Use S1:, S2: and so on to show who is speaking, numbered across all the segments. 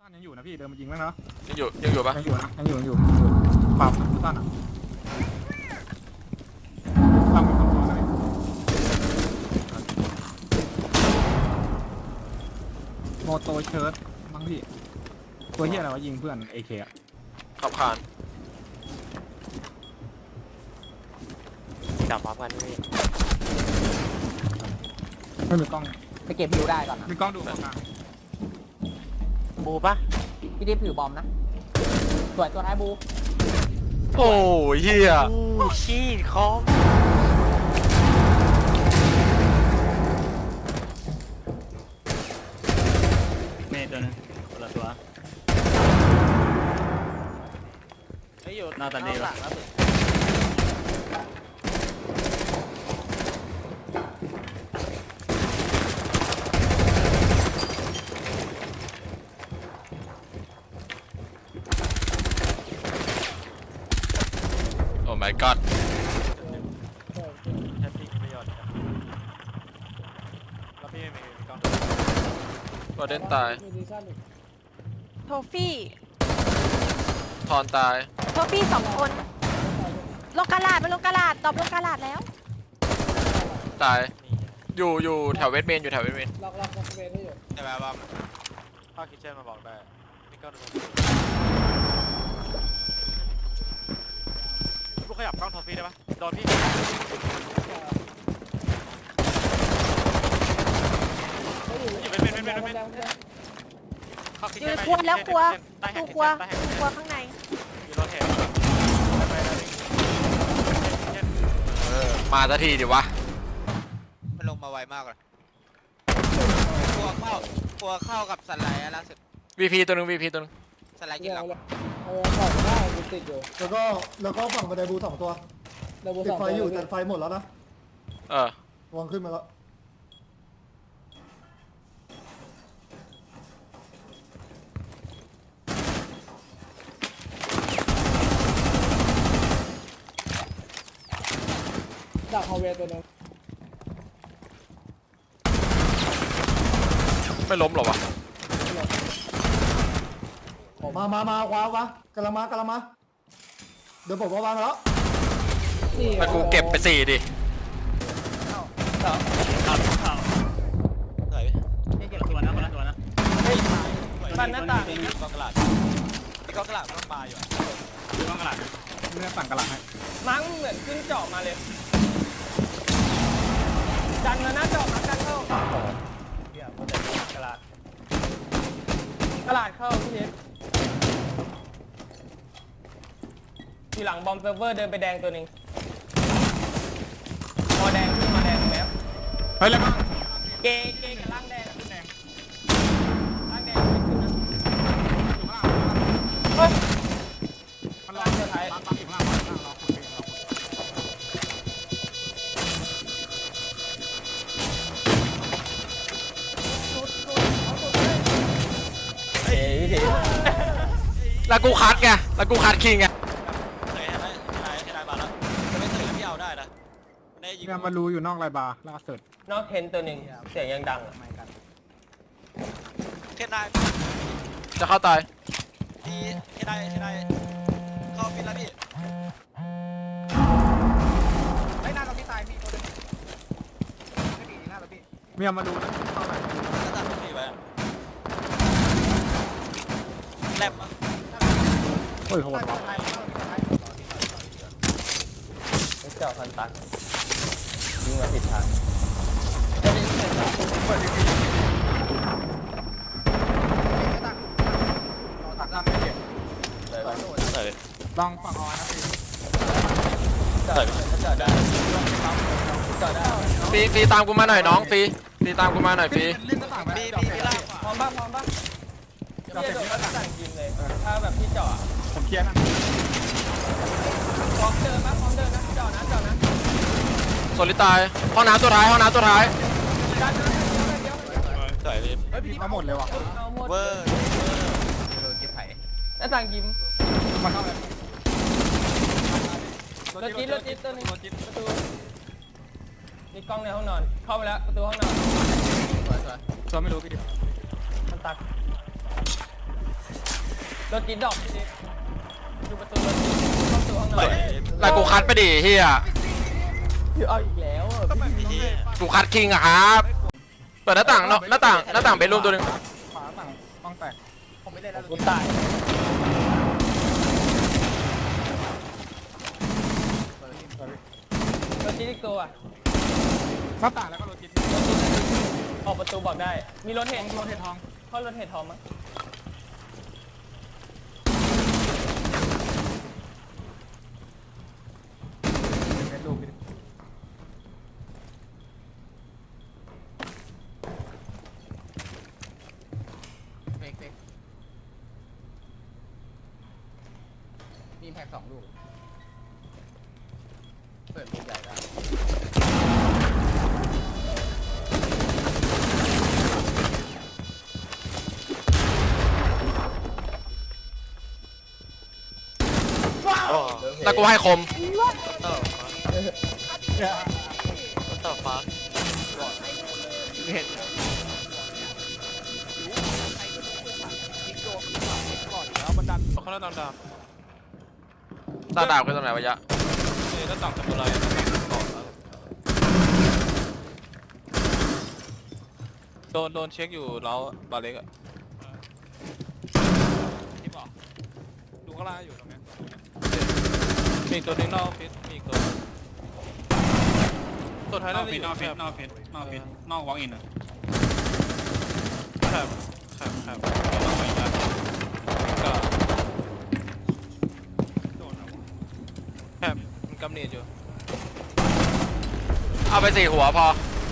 S1: านยังอยู่นะพี่เดินมายิงแล้วเนาะ
S2: ยังอยู่ปะ
S1: ยังอยู่ปรับสั้นอ่ะตั้งเป็นคนเลยโมโตเชิร์ตมั้งพี่ตัวเฮียอะไรวะยิงเพื่อนเอเคอะ
S2: ขับคาน
S3: จับพร้อมกันพี่
S1: ไม่มีกล้อง
S4: ไปเก็บผิวได้ก่อนนะ
S1: มีกล้องดูกล้องกลาง
S3: บูปะ
S4: พี่ดิฟผิวบอมนะสวยตัวท้ายบู
S2: โอ้ยเฮีย
S3: อู้ชีดคอม
S5: เมย์ตัวนึงคนละตัว
S3: ไอ้อยู่
S5: หน้าตาดี
S3: หลั
S5: วะ
S3: งแล้ว
S2: โอ้ my god
S3: แฮปปี้มีประโยชน์แล้วพี่ไม่มีกล้อง
S2: ตัวเด่นตาย
S6: โทฟี่
S2: ทอนตาย
S6: โทฟี่2 คนลงกาลาดไปลงกาลาดตอบลงกาลาดแล้ว
S2: ตายอยู่แถวเวสเมนอยู่แถวเวสเมน
S3: ใช่ไหมบ้างพ่อคิดเช่นมาบอกได้มีกล้องดูพวกขยับกล้องโทฟี่ได้ปะโดนพี่อยู่เป็นเข้าคิด
S6: อยู่
S3: เช่น
S6: ในครัวแล้วครัว
S3: ใต้แฮ
S6: ตู้
S3: ก
S6: ครัว
S3: ใต้แฮก
S6: ตู้ครัวข้างใน
S3: อยู่รถเห็นไป
S2: มาสักทีดิวะ
S7: มันลงมาไวมากเลยกลัวเข้ากับสไลด์อะล่าสุด
S2: VP ตัวนึง VP ตัวนึง
S7: สไลด์กินหลัง
S8: แล้วก็ฝั่งบันไดบู2 ตัวติดไฟอยู่แต่ไฟหมดแล้วนะ
S2: เออ
S8: วางขึ้นมาแล้วดักฮาวเวย์ตัวนึง
S2: ไม่ล้มหรอวะ
S8: มาขวากำลังมาเดี๋ยวผมวางแล้ว
S2: แล้วกูเก็บไป4ดิ
S5: ข่าว
S7: สวย
S5: คนละตัวนะ
S3: บ้านหน้าต่าง
S7: มีกองกระดาษมีกองกระดาษต้องปลาอยู่อะ
S5: กล้องกระดาษ
S1: ไม่ได้สั่งกระหลังให้
S4: มั้งเหมือนขึ้นเจาะมาเลยดันมาหน้าเจาะมากันเข้ากระดาษเข้าพี่ดิฟอยู่หลังบอมเซิร์ฟเวอร์เดินไปแดงตัวหนึ่งพอแดงขึ้นมาแดงแล้ว
S1: เฮ้ยแล้วก็
S4: เกกับล่างแดงขึ้นแดงล่างแดงไม่ขึ้นนะเฮ้ย
S1: มันรอสุดท้ายปั๊มอยู่ข้างล่างรอคนเอง
S2: แล้วกูคัดไงแล้วกูคัดคิงไง
S7: เคยให้ได้มาแล้วจะไม่เคยแล้วพี่เอาได้นะได้ยิง
S1: เนี่ยมารู้อยู่นอกไรบาร์ล่าสุด
S4: นอกเทนตัวหนึ่งเสียงยังดัง
S7: เทนได้
S2: จะเข้าตาย
S7: พี่เทนได้เข้าฟินแล้วพี่ไอ้หน้าเราพี่ตายพี่ตัวนึงไม่ดีหน้าเราพี่
S1: เมียมาดูนะเข้าไหน
S7: ก็ตัดพี่ไว้แลบ
S1: เฮ้ยโหดว่ะ
S4: เจาะพันตักยิงมาผิดทาง
S1: ลองฝั่งออนนะพี่
S4: เจาะได้
S2: ฟรีตามกูมาหน่อยน้องฟรีตามกูมาหน่อยฟรี
S1: เล่นหน้าต่างไหม
S7: มีล่าง
S4: พร้อมป่ะพี่จะโดนก็สั่งยิงเลยถ้าแบบพี่เจาะ
S1: ผมเคลียร์นะ
S4: พร้อมเดินนะเจาะนะ
S2: โซลิตายห้องน้ำตัวท้าย
S4: ดันนะ
S7: สวยเลย
S1: เฮ้ยพี่มาหมดเลยว่ะ
S4: เอาหมด
S7: เวอร์
S4: หน้าต่างยิ้ม
S1: มาเข้าเลย
S4: รถจิ๊ดตัวนึงประตูมีกล้องในห้องนอนเข้าไปแล้วประตูห้องนอน
S1: ตัวไม่รู้พี่ดิ
S4: มันตักรถจิ๊ดดอกจิ๊ดดูประตูรถจิ๊ดเข้าสู่ห้องนอน
S2: ไล่กูคัดไปดิเฮีย
S4: เอาอีกแล้วอ่ะ
S3: ก็แบบนี้
S2: กูคัดคิงอะครับเปิดหน้าต่างเนาะหน้าต่างเบดรูมตัวหนึง
S1: ขวาต่างต้องแตก
S7: ผมไม่ได้แล้ว
S4: กูตาย รถจิ๊ดอีกตัว
S1: หน้าต่างแล้วก็โรจิต
S4: ออกประตูบอกได้ มีรถเห็น
S1: โรเททอง
S4: เข้ารถเห็นทองมั้ง
S1: เบดรูมพี่
S7: เฟกมีแพ็ก2 ลูกเปิดลูกใหญ่ได้
S2: แล้วกูให้คม
S3: ต่อฟ้า เขาเล่นดาว
S2: ตาดาบคือตรงไหนวะยะ
S3: นี่แล้วต่างกับอะไรโดนเช็คอยู่แล้วบาเล็กอะที่บอกดูข้างล่างอยู่ตรงนี้มีอีกตัวนึงนอกฟิตมีอีกตัวท้าย
S5: น
S3: น่า
S5: อก
S3: จะ
S5: ฟิ
S3: อ
S5: ต
S3: ยู่
S5: นอกฟิต
S3: แคบ
S5: นอกฟิตนอกฟิตนอกวอล์กอินอ่ะ
S3: แคบ
S5: นอกวอล์กอินแล้ว
S3: ก็แคบมันกำเนิดอยู่
S2: เอาไป4 หัวพอ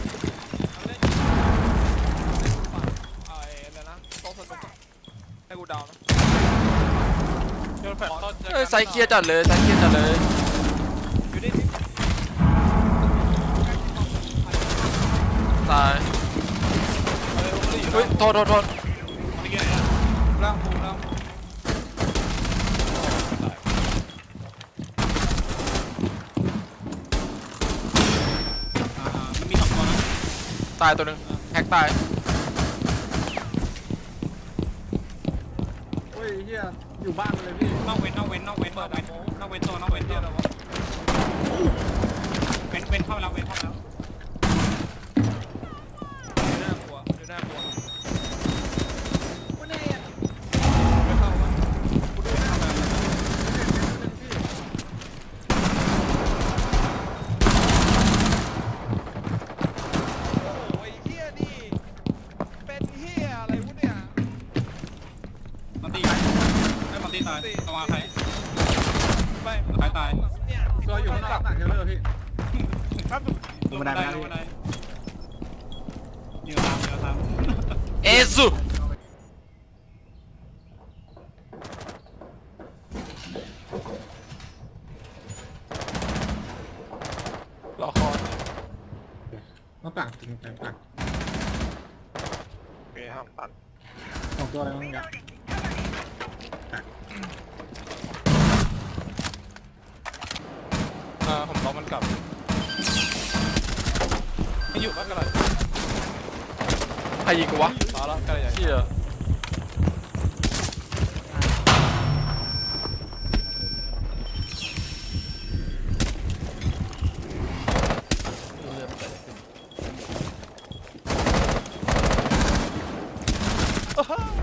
S3: อะไรนะโต๊ะสนุกให้กูดาวนะโยนแฟลชต้น
S2: เอ้ยไซส์เคลียร์จัดเลยไซส์เคลียร์จัดเลย
S3: อยู่นี่
S2: ตายเฮ้ยโทษ
S5: เมื่อกี้
S1: ร่างภูมิร่าง
S5: มันมี2 ตัวนะ
S2: ตายตัวหนึงแฮกตาย
S1: เฮ้ยเฮียอยู่บ้านเลยพี่
S5: นอกเว้นตัวนอกเว้นตัวเว้นเข้าแล้วเว้นเข้าแล้ว
S3: อยู่หน้ากลัวอยู่หน้ากลัว โอ้ยเฮียนี่เป็นเฮียอะไรวะเนี่ย
S5: มันตีไอ้มันตีตายระวังใคร
S3: ไม่
S5: ใครตาย
S3: เนี่ย
S1: ตัวอยู่ข้างหลังเทเลอร์พี่
S3: ครับ
S5: ลงบันไดยืนตาม
S2: เอซุ
S3: รอคอย
S1: หน้าต่างจริงต่าง
S3: มีห้ามตัน
S1: 2 ตัวอะไรบ้างเนี่ย
S3: ผมรอมันกลับไม่อยู่บ้านกันเลย
S2: ใครยิงกูวะ
S3: มาแล้วกันเลยอย่าง
S2: เฮีย
S3: โอ้โห